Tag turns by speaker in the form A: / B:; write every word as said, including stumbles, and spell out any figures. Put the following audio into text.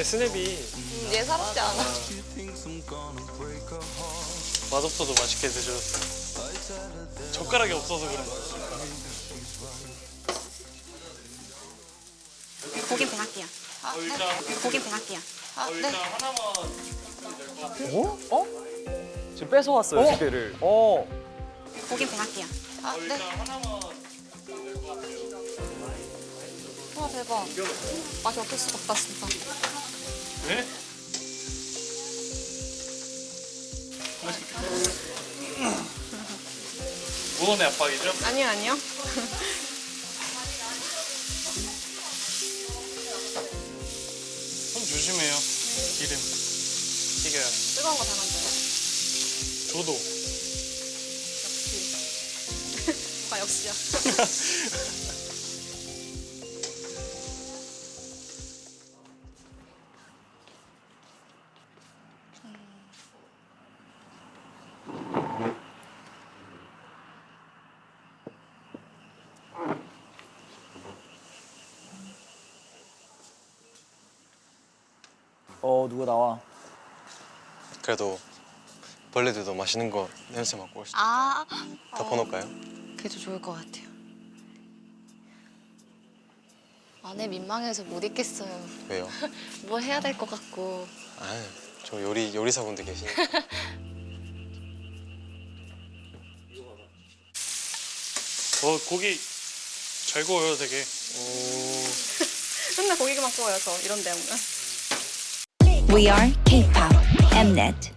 A: 예쁘네 스냅이.
B: 음, 예사롭지 않아.
A: 맛없어도 맛있게 드셨어. 젓가락이 없어서 그런 거야.
C: 고긴 배할게요.
B: 아, 네.
C: 고긴 배할게요.
B: 아, 네.
A: 하나만.
D: 어? 어? 지금 뺏어왔어요,
E: 어?
D: 기대를. 어.
C: 고긴 배할게요.
B: 아, 네.
A: 하나만.
B: 와, 대박. 맛이 어쩔 수가 없다, 진짜.
A: 네? 무언의 압박이죠?
B: 아니요, 아니요.
A: 손 조심해요. 기름 튀겨요.
B: 뜨거운 거 잘 만들어.
A: 저도.
B: 역시. 뭐가 역시야.
D: 어, 누가 나와.
E: 그래도 벌레들도 맛있는 거 냄새 맡고 올 수도
B: 아,
E: 덮어놓을까요?
B: 그게 더 좋을 것 같아요. 안에 민망해서 못 있겠어요.
E: 왜요?
B: 뭐 해야 될 것 같고.
E: 아, 저 요리 요리사분들 계시니까.
A: 어 고기 잘 구워요 되게.
B: 맨날 고기만 구워요, 저 이런 데 오면.
F: We are K-pop Mnet.